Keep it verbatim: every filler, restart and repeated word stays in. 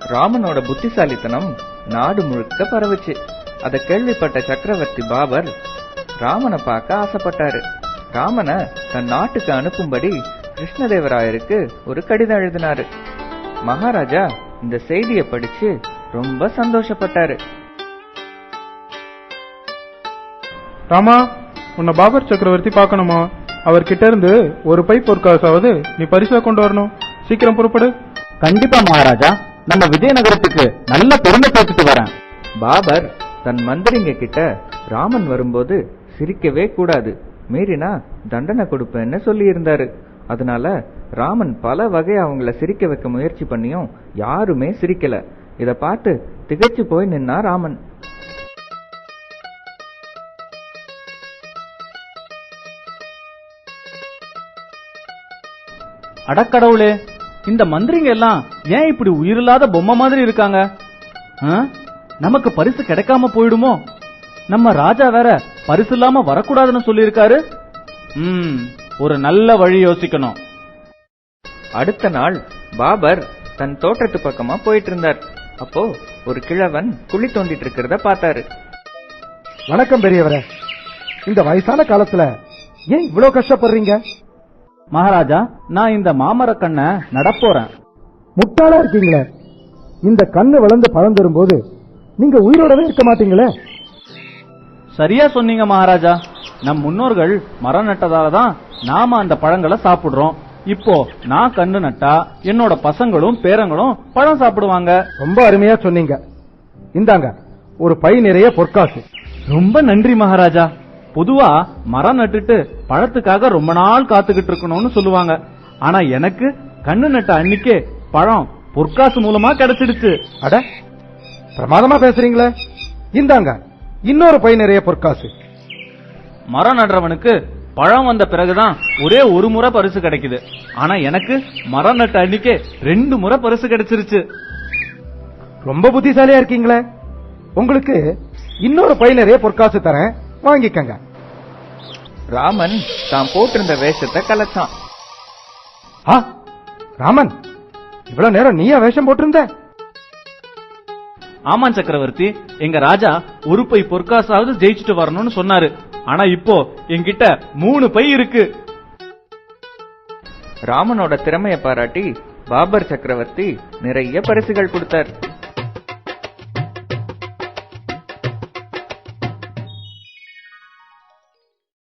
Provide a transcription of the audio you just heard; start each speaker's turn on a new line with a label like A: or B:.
A: ராமனோட புத்திசாலித்தனம் நாடு முழுக்க பரவுச்சு. அதை கேள்விப்பட்ட சக்கரவர்த்தி பாபர் ராமனை பார்க்க ஆசைப்பட்டாரு. ராமனை தன் நாட்டுக்கு அனுப்பும்படி கிருஷ்ணதேவராயருக்கு ஒரு கடிதம் எழுதினாரு. மகாராஜா இந்த செய்தியை படிச்சு ரொம்ப சந்தோஷப்பட்டாரு.
B: ராமா, உன்னை பாபர் சக்கரவர்த்தி பார்க்கணுமா? அவர்கிட்ட இருந்து ஒரு பை பொற்காசாவது நீ பரிசா கொண்டு வரணும். சீக்கிரம் புறப்படு.
C: கண்டிப்பா மகாராஜா, நம்ம விஜயநகரத்துக்கு நல்ல பெருமை சேர்த்துட்டு வரேன்.
A: பாபர் தன் மந்திரிங்க கிட்ட ராமன் வரும்போது சிரிக்கவே கூடாது, மீறினா தண்டனை கொடுப்பேன்னு சொல்லி இருந்தாரு. அதனால ராமன் பல வகை அவங்கள சிரிக்க வைக்க முயற்சி பண்ணியும் யாருமே சிரிக்கல. இத பார்த்து திகைச்சு போய் நின்னா ராமன்.
C: அடக்கடவுளே, இந்த மந்திரிங்க எல்லாம் ஏன் இப்படி உயிரில்லாத பொம்மை மாதிரி இருக்காங்க? நமக்கு பரிசு கிடைக்காம போயிடுமோ? நம்ம ராஜா வேற பரிசு இல்லாம வரக்கூடாதுன்னு சொல்லி இருக்காரு. ம் ஒரு நல்ல வழி யோசிக்கணும்.
A: அடுத்த நாள் பாபர் தன் தோட்டத்து பக்கமா போயிட்டு இருந்தார். அப்போ ஒரு கிழவன் குழி தோண்டிட்டு இருக்கிறத பார்த்தாரு.
D: வணக்கம் பெரியவரே, இந்த வயசான காலத்துல ஏன் இவ்வளவு கஷ்டப்படுறீங்க?
C: மகாராஜா, நான் இந்த மாமர கண்ணை நடப்போறேன்.
D: முட்டாளா இருக்கீங்களே, இந்த கண்ணு வளர்ந்து பழம் தரும் போது நீங்க உயிரோடவே இருக்க மாட்டீங்களே.
C: சரியா சொன்னீங்க மகாராஜா. நம் முன்னோர்கள் மரம் நட்டதாலதான் நாம அந்த பழங்களை சாப்பிடுறோம். இப்போ நான் கண்ணு நட்டா என்னோட பசங்களும் பேரங்களும் பழம் சாப்பிடுவாங்க.
D: ரொம்ப அருமையா சொன்னீங்க. இந்தாங்க ஒரு பை நிறைய பொற்காசு.
C: ரொம்ப நன்றி மகாராஜா. பொதுவா மரம் நட்டுட்டு பழத்துக்காக ரொம்ப நாள் காத்துக்கிட்டு இருக்கணும்னு சொல்லுவாங்க. ஆனா எனக்கு கண்ணு நட்ட அன்னைக்கே பழம் பொற்காசு மூலமா கிடைச்சிடுச்சு.
D: அட, பிரமாதமா பேசுறீங்களே. இந்தாங்க இன்னொரு பை நிறைய பொற்காசு.
C: மரம் நடுறவனுக்கு பழம் வந்த பிறகுதான் ஒரே ஒரு முறை பரிசு கிடைக்குது. ஆனா எனக்கு மரம் நட்ட அன்னைக்கே ரெண்டு முறை பரிசு கிடைச்சிருச்சு.
D: ரொம்ப புத்திசாலியா இருக்கீங்களே. உங்களுக்கு இன்னொரு பை நிறைய பொற்காசு தரேன், வாங்கிக்கங்க.
A: ராமன் தான் போட்டிருந்த வேஷத்தை கலைச்சான்.
D: ஆ, ராமன், இவ்வளவு நேரம் நீயா வேஷம் போட்டிருந்த?
C: ஆமா சக்கரவர்த்தி, எங்க ராஜா ஒரு பை பொற்காசாவது ஜெயிச்சுட்டு வரணும்னு சொன்னாரு. ஆனா இப்போ என்கிட்ட மூணு பை இருக்கு.
A: ராமனோட திறமையை பாராட்டி பாபர் சக்கரவர்த்தி நிறைய பரிசுகள் கொடுத்தார்.